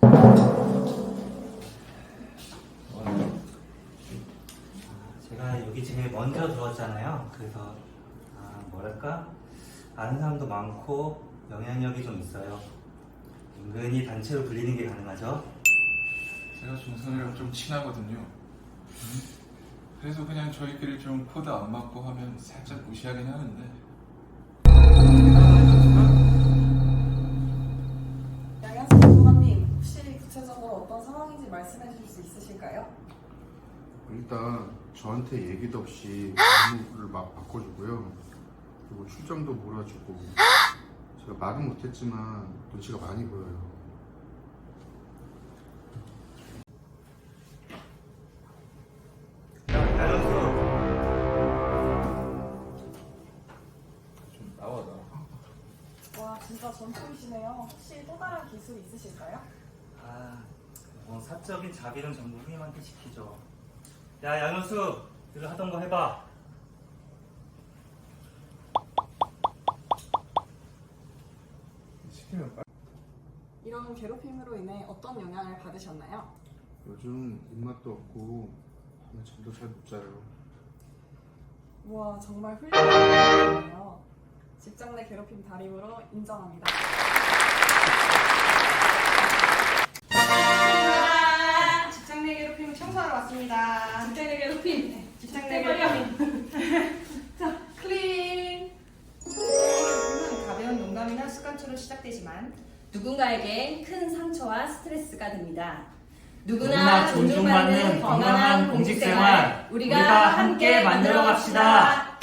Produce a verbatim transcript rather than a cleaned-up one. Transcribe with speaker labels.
Speaker 1: 제가 여기 제일 먼저 들어왔잖아요. 그래서 아, 뭐랄까 아는 사람도 많고 영향력이 좀 있어요. 은근히 단체로 불리는 게 가능하죠.
Speaker 2: 제가 종선이랑 좀 친하거든요. 그래서 그냥 저희끼리 좀 코드 안 맞고 하면 살짝 무시하긴 하는데.
Speaker 3: 양현수 전무관님, 혹시 구체적으로 어떤 상황인지 말씀해 주실 수 있으실까요?
Speaker 4: 일단 저한테 얘기도 없이 업무를 막 바꿔주고요. 그리고 출장도 몰아주고 제가 말은 못했지만 눈치가 많이 보여요.
Speaker 2: 좀 나와 나.
Speaker 3: 와, 진짜 전투이시네요. 혹시 또 다른 기술 있으실까요?
Speaker 1: 아, 뭐 사적인 자비는 전부 후임한테 시키죠. 야, 양현수, 늘 하던 거 해봐.
Speaker 4: 시키면 빨리.
Speaker 3: 이런 괴롭힘으로 인해 어떤 영향을 받으셨나요?
Speaker 4: 요즘 입맛도 없고 밤에 잠도 잘 못 자요.
Speaker 3: 우와, 정말 훌륭한 분이네요. 직장 내 괴롭힘 달인으로 인정합니다.
Speaker 5: 직장 내 괴롭힘 청소하러 왔습니다. 직장 내 괴롭힘. 직장 내 괴롭힘. 자, 클린. 괴롭힘은 가벼운 농담이나 습관처럼 시작되지만 누군가에겐 큰 상처와 스트레스가 됩니다. 누구나 존중받는 건강한 공직생활 우리가 함께 만들어 갑시다.